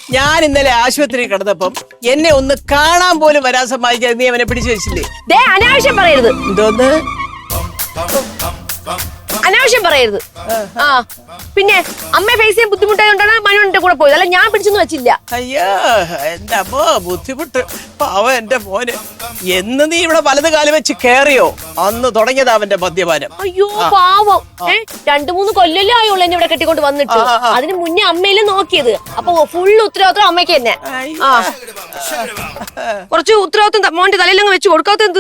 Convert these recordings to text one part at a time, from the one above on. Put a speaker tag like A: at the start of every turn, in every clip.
A: ഞാൻ ഇന്നലെ ആശുപത്രി കിടന്നപ്പം എന്നെ ഒന്ന് കാണാൻ പോലും വരാൻ സമ്മതിക്കാതെ നീ അവനെ പിടിച്ചു വെച്ചില്ലേ?
B: അനാവശ്യം പറയരുത്.
A: എന്തോന്ന്
B: അനാവശ്യം പറയരുത്. ആ പിന്നെ അമ്മ ഫേസ് ചെയ്യാൻ ബുദ്ധിമുട്ടായതുകൊണ്ടാണ് മനു എന്റെ കൂടെ പോയത്. അല്ല ഞാൻ പിടിച്ചൊന്നും വെച്ചില്ല.
A: അയ്യോ എന്റെ അമ്മ ബുദ്ധിമുട്ട്. പാവം എന്റെ മോന്. എന്ന് നീ ഇവിടെ വലത് കാലം വെച്ച് കേറിയോ അന്ന് തുടങ്ങിയതാ അവന്റെ മദ്യപാനം.
B: അയ്യോ പാവം. 2-3 കൊല്ലല്ലേ ആയുള്ളൂ എന്നെ ഇവിടെ കെട്ടിക്കൊണ്ട് വന്നിട്ട്. അതിന് മുന്നേ അമ്മയില് നോക്കിയത്. അപ്പൊ ഫുള്ള് ഉത്തരവാദിത്വം അമ്മയ്ക്ക് തന്നെ. ആ കുറച്ച് ഉത്തരവാദിത്വം മോന്റെ തലയിലങ്ങ് വെച്ച് കൊടുക്കാത്ത എന്ത്?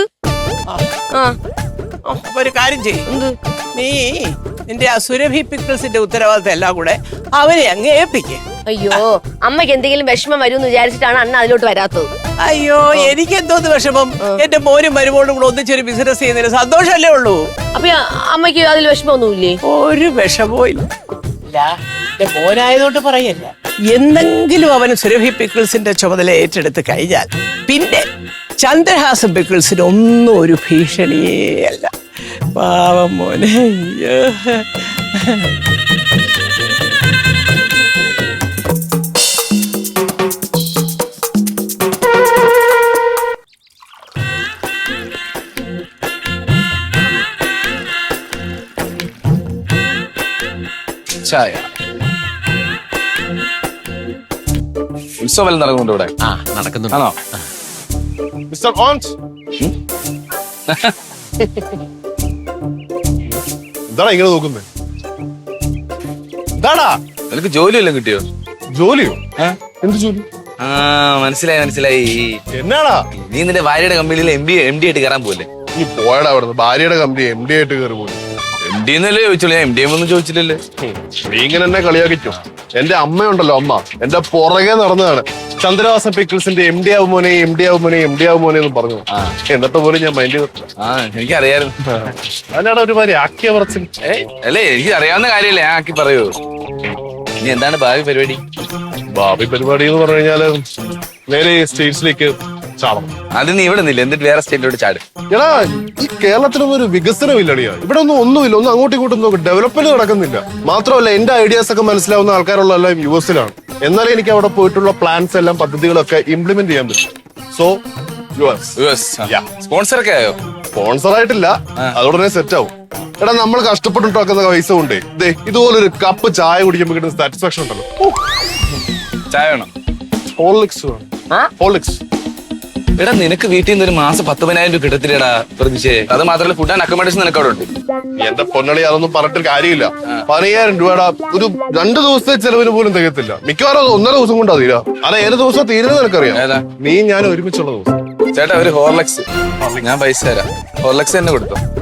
A: അപ്പൊ ഒരു കാര്യം ചെയ്യും, നീ നിന്റെ ആ സുരഭി പിക്കിൾസിന്റെ ഉത്തരവാദിത്തം എല്ലാം കൂടെ അവനെ അങ്ങ് ഏൽപ്പിക്കേ.
B: അയ്യോ അമ്മയ്ക്ക് എന്തെങ്കിലും വിഷമം വരും എന്ന് വിചാരിച്ചിട്ടാണ് അണ്ണ അതിലോട്ട് വരാത്തത്.
A: അയ്യോ എനിക്ക് എന്തോന്ന് വിഷമം? എന്റെ മോനും മരുമോളും കൂടെ ഒന്നിച്ചൊരു ബിസിനസ് ചെയ്യുന്നതിന് സന്തോഷമല്ലേ ഉള്ളൂ.
B: അപ്പൊ അമ്മയ്ക്ക് അതിൽ വിഷമമൊന്നുമില്ലേ?
A: ഒരു വിഷമവും ഇല്ല. എന്റെ മോനായതുകൊണ്ട് പറയല്ല, എന്തെങ്കിലും അവന് സുരഭി പിക്കിൾസിന്റെ ചുമതല ഏറ്റെടുത്ത് കഴിഞ്ഞാൽ പിന്നെ ചന്ദ്രഹാസം പിക്കിൾസിന് ഒന്നും ഒരു ഭീഷണിയേ അല്ല. പാവം മോനെ. അയ്യോ
C: ചായ. ഉത്സവം നടക്കുന്നുണ്ട് ഇവിടെ.
D: നടക്കുന്നുണ്ട്.
C: ആണോ
D: മിസ്റ്റർ ഓൺസ്? എന്താടാ ഇങ്ങനെ നോക്കുന്നേ? എന്താടാ
C: നിനക്ക് ജോലിയെല്ലാം കിട്ടിയോ?
D: ജോലിയോ? എന്ത് ജോലി?
C: ആ മനസ്സിലായി.
D: എന്നാടാ
C: നീ നിന്റെ ഭാര്യയുടെ കമ്പനിയിൽ എം ഡി ആയിട്ട് കയറാൻ പോലെ.
D: നീ പോയടാ അവിടുന്ന്. ഭാര്യയുടെ കമ്പനി എം ഡി ആയിട്ട് കയറി പോയി.
C: എം ഡി എന്നല്ലേ ചോദിച്ചോളൂ, ഞാൻ എം ഡി ഒന്നും ചോദിച്ചില്ലല്ലേ.
D: നീ ഇങ്ങനെ എന്നെ കളിയാക്കിച്ചോ? എന്റെ അമ്മയുണ്ടല്ലോ, അമ്മ എന്റെ പുറകെ നടന്നതാണ്. ചന്ദ്രവാസ പിക്കിൾസിന്റെ എം ഡി ആവുമോനെ എന്ന് പറഞ്ഞു. എന്നിട്ട് പോലും ഞാൻ മൈൻഡ് ചെയ്തിട്ടില്ല.
C: എനിക്കറിയായിരുന്നു.
D: അതിനാണ് ഒരുമാതിരി ആക്കിയ പറച്ചിൽ.
C: അല്ലേ എനിക്ക് അറിയാവുന്ന കാര്യമല്ലേ ഞാൻ ആക്കി പറയൂ. ഇനി എന്താണ് ഭാവി പരിപാടി?
D: ഭാവി പരിപാടി എന്ന് പറഞ്ഞു കഴിഞ്ഞാല് നേരെ സ്റ്റേറ്റ്സിലേക്ക് ചാടണം.
C: അത് നീ ഇവിടെ നിന്നില്ല, എന്നിട്ട് വേറെ സ്റ്റേറ്റിലോട്ട് ചാട്.
D: എടാ ഈ കേരളത്തിലൊന്നും ഒരു വികസനം ഇല്ലടിയാ. ഇവിടെ ഒന്നുമില്ല. ഒന്നും അങ്ങോട്ടും ഇങ്ങോട്ടും നോക്കും. ഡെവലപ്മെന്റ് നടക്കുന്നില്ല. മാത്രമല്ല എന്റെ ഐഡിയാസ് ഒക്കെ മനസ്സിലാവുന്ന ആൾക്കാരുള്ള എല്ലാം US-ലാണ്. എന്നാലും എനിക്ക് അവിടെ പോയിട്ടുള്ള പ്ലാൻസ് എല്ലാം പദ്ധതികളൊക്കെ ഇംപ്ലിമെന്റ് ചെയ്യാൻ പറ്റും. സോ
C: സ്പോൺസർ ഒക്കെ ആയോ?
D: സ്പോൺസർ ആയിട്ടില്ല, അതോടനെ സെറ്റ് ആവും. എടാ നമ്മൾ കഷ്ടപ്പെട്ടുണ്ടാക്കുന്ന പൈസ കൊണ്ടേ ഇതുപോലൊരു കപ്പ് ചായ കുടിക്കുമ്പോൾ കിട്ടുന്ന സാറ്റിസ്ഫാക്ഷൻ ഉണ്ടല്ലോ.
C: ചായ വേണം?
D: ഹോർലിക്സ്.
C: എടാ നിനക്ക് വീട്ടിൽ നിന്ന് ഒരു മാസം 10,000 രൂപ കിട്ടത്തില്ലടാ പ്രതീക്ഷേ. അത് മാത്രമല്ല ഫുഡ് ആൻഡ് അക്കോമഡേഷൻ നിനക്ക് അവിടെ ഉണ്ട്.
D: എന്റെ പൊന്നളി അതൊന്നും പറഞ്ഞിട്ട് കാര്യമില്ല. 15,000 രൂപയുടെ ഒരു 2 ദിവസത്തെ ചെലവിന് പോലും തികത്തില്ല. മിക്കവാറും 1.5 ദിവസം കൊണ്ടാ തീരാ. അത് ഏത് ദിവസം തീരുന്നത് നിനക്കറിയാം?
C: ഏതാ?
D: നീ ഞാൻ ഒരുമിച്ചുള്ള ദിവസം.
C: ചേട്ടാ ഒരു ഹോർലിക്സ്. ഞാൻ പൈസ തരാം. ഹോർലിക്സ് തന്നെ കൊടുത്തോ.